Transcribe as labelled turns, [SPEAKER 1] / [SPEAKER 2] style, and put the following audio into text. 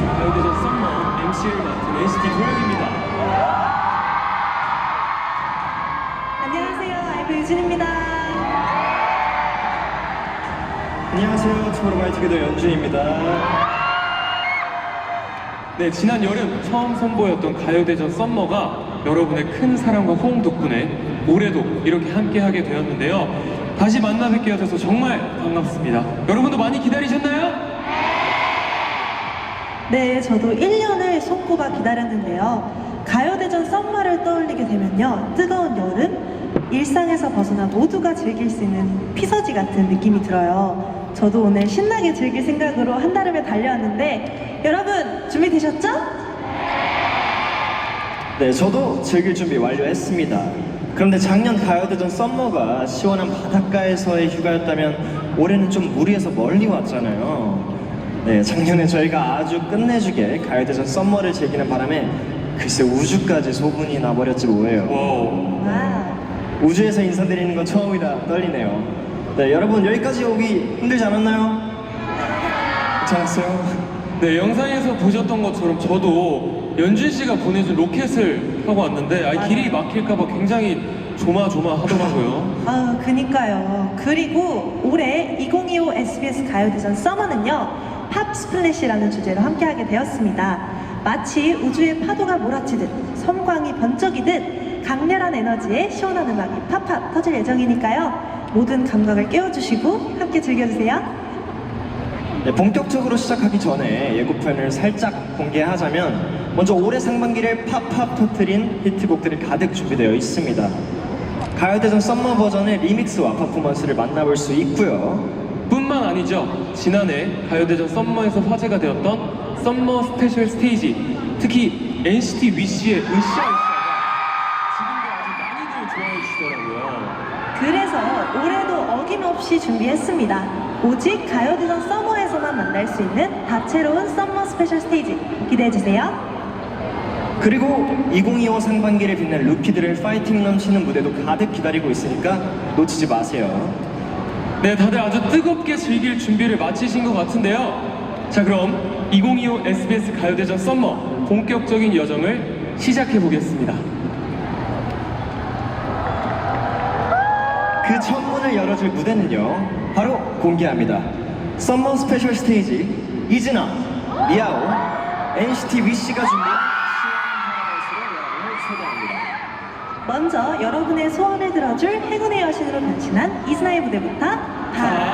[SPEAKER 1] 가요대전 썸머 MC를 맡은 NCT 도영입니다.
[SPEAKER 2] 안녕하세요, 아이브 유진입니다.
[SPEAKER 3] 안녕하세요, 투모로우바이투게더 연준입니다.
[SPEAKER 1] 네, 지난 여름 처음 선보였던 가요대전 썸머가 여러분의 큰 사랑과 호응 덕분에 올해도 이렇게 함께하게 되었는데요. 다시 만나 뵙게 돼서 정말 반갑습니다. 여러분도 많이 기다리셨나요?
[SPEAKER 2] 네, 저도 1년을 손꼽아 기다렸는데요. 가요대전 썸머를 떠올리게 되면요, 뜨거운 여름, 일상에서 벗어나 모두가 즐길 수 있는 피서지 같은 느낌이 들어요. 저도 오늘 신나게 즐길 생각으로 한달음에 달려왔는데 여러분 준비되셨죠?
[SPEAKER 3] 네, 저도 즐길 준비 완료했습니다. 그런데 작년 가요대전 썸머가 시원한 바닷가에서의 휴가였다면 올해는 좀 무리해서 멀리 왔잖아요. 네, 작년에 저희가 아주 끝내주게 가요대전 썸머를 즐기는 바람에 글쎄 우주까지 소문이 나버렸지 뭐예요.
[SPEAKER 1] 와우.
[SPEAKER 2] 와,
[SPEAKER 3] 우주에서 인사드리는 건 처음이라 떨리네요. 네, 여러분 여기까지 오기 힘들지 않았나요? 괜찮았어요?
[SPEAKER 1] 네, 영상에서 보셨던 것처럼 저도 연준 씨가 보내준 로켓을 하고 왔는데 길이 막힐까봐 굉장히 조마조마하더라고요.
[SPEAKER 2] 아, 그니까요. 그리고 올해 2025 SBS 가요대전 썸머는요, 팝 스플래시라는 주제로 함께하게 되었습니다. 마치 우주의 파도가 몰아치듯 섬광이 번쩍이듯 강렬한 에너지에 시원한 음악이 팝팝 터질 예정이니까요. 모든 감각을 깨워주시고 함께 즐겨주세요.
[SPEAKER 3] 네, 본격적으로 시작하기 전에 예고편을 살짝 공개하자면 먼저 올해 상반기를 팝팝 터트린 히트곡들이 가득 준비되어 있습니다. 가요대전 썸머 버전의 리믹스와 퍼포먼스를 만나볼 수 있고요.
[SPEAKER 1] 뿐만 아니죠. 지난해 가요대전 썸머에서 화제가 되었던 썸머 스페셜 스테이지, 특히 NCT 위시의 으쌰으쌰가 지금도 아주 많이들 좋아해 주시더라고요.
[SPEAKER 2] 그래서 올해도 어김없이 준비했습니다. 오직 가요대전 썸머에서만 만날 수 있는 다채로운 썸머 스페셜 스테이지 기대해주세요.
[SPEAKER 3] 그리고 2025 상반기를 빛낸 루키들의 파이팅 넘치는 무대도 가득 기다리고 있으니까 놓치지 마세요.
[SPEAKER 1] 네, 다들 아주 뜨겁게 즐길 준비를 마치신 것 같은데요. 자, 그럼 2025 SBS 가요대전 썸머 본격적인 여정을 시작해 보겠습니다.
[SPEAKER 3] 그 첫 문을 열어줄 무대는요, 바로 공개합니다. 썸머 스페셜 스테이지 이즈나, 리아오, NCT 위시가 준비한 시원한 파라다이스로 여러분을 초대합니다.
[SPEAKER 2] 먼저 여러분의 소원을 들어줄 행운의 여신으로 변신한 이즈나의 무대부터